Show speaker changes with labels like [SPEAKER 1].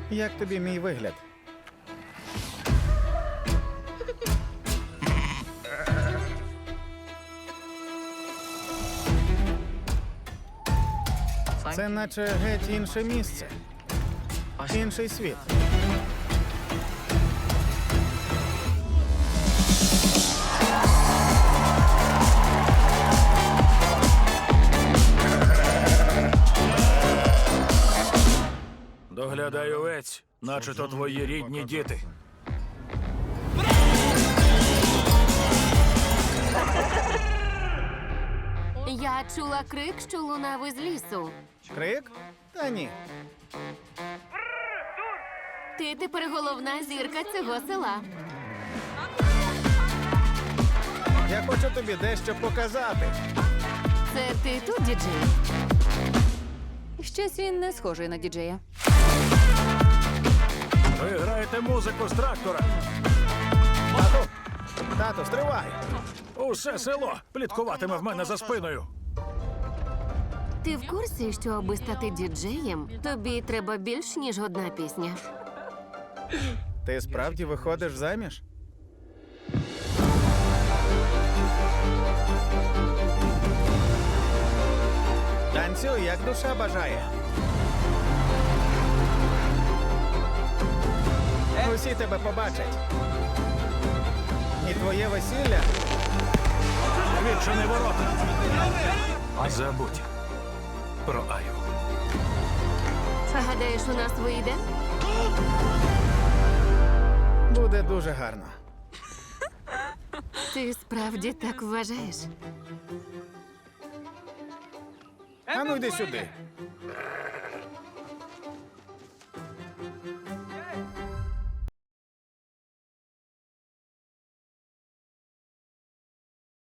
[SPEAKER 1] Як тобі мій вигляд? Це наче геть інше місце. Інший світ.
[SPEAKER 2] Доглядай овець, наче то твої рідні діти.
[SPEAKER 3] Я чула крик, що лунав із лісу.
[SPEAKER 1] Крик? Та ні.
[SPEAKER 3] Ти тепер головна зірка цього села.
[SPEAKER 1] Я хочу тобі дещо показати.
[SPEAKER 3] Це ти тут, діджей?
[SPEAKER 4] Щось він не схожий на діджея.
[SPEAKER 2] Ви граєте музику з трактора.
[SPEAKER 1] Тату, стривай!
[SPEAKER 2] Усе село пліткуватиме в мене за спиною.
[SPEAKER 3] Ти в курсі, що аби стати діджеєм, тобі треба більш, ніж одна пісня?
[SPEAKER 1] Ти справді виходиш заміж? Танцюй, як душа бажає. Усі тебе побачать. І твоє весілля.
[SPEAKER 2] Відчини ворота. Забудь про Аю.
[SPEAKER 3] Гадаєш, у нас вийде?
[SPEAKER 1] Буде дуже гарно.
[SPEAKER 3] Ти справді так вважаєш?
[SPEAKER 1] А ну йди сюди.